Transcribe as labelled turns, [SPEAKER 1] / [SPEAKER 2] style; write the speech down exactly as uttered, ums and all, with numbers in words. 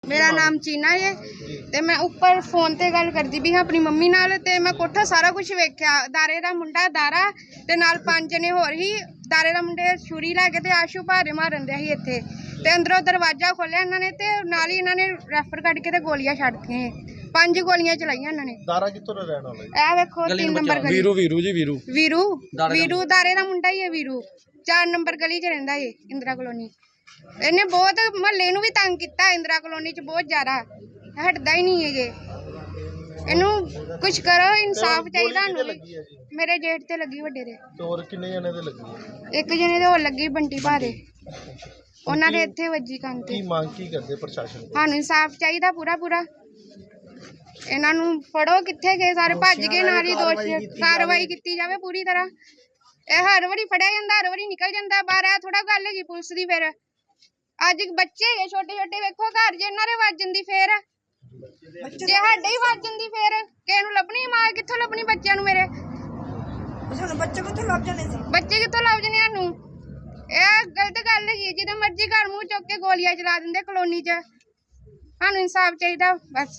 [SPEAKER 1] मेरा नाम चीना है ते मैं ऊपर फोन ते गल करदी भी अपनी मम्मी नाल ते मैं कोठा सारा कुछ वेख्या। दारे दा मुंडा दारा ते नाल पंज जने होर ही। दारे दा मुंडे छुरी लै के ते आशू भारे मारन दे ही इत्थे ते अंदरों दरवाजा खोलिया इन्हां ने ते नाल ही इन्हां ने रैफर कट के ते गोलियां छड्डतियां। पंज गोलियां चलाइयां इन्हां ने। दारा कित्थों दा रहण वाला है? ए वेखो तीन नंबर गली। वीरू वीरू जी वीरू वीरू वीरू दारे दा मुंडा ही है। वीरू चार नंबर गली च रहिंदा है इंदिरा कॉलोनी। इन्हें बहुत महल्ले नूं भी तंग किया इंदिरा कॉलोनी च बहुत ज्यादा हटदा ही नहीं है जे इनू कुछ करो इंसाफ चाहिए। मेरे जेठ ते लगी वड्डे दे और किन्ने जने दे लगी एक जने दे होर लगी बंटी भा दे उन्हां दे इत्थे वजी कंन ते की मांग की करदे प्रशासन सानू इंसाफ चाहिए पूरा पूरा। इन्हां नूं फड़ो कित्थे गए सारे भज गए नाल ही दोष कार्रवाई की जाए पूरी तरह। ਇਹ हर वारी फड़िया जाता हर वारी निकल जाता बाहर। है थोड़ा गल है पुलिस की फिर अज बच्चे है छोटे छोटे वेखो घर जे इन्हां दे वज जांदी फिर जे साडे ही वज जांदी फिर किसे नूं लभनी मां कित्थों लभनी बच्चों नूं मेरे बच्चे कित्थों लभ जाने बच्चे कित्थों लभ जाने सानूं। ਇਹ गलत गल है जिद्दां मर्जी घर मूँह चुक के गोलियां चला दिंदे कॉलोनी च। सानूं इंसाफ चाहिए बस।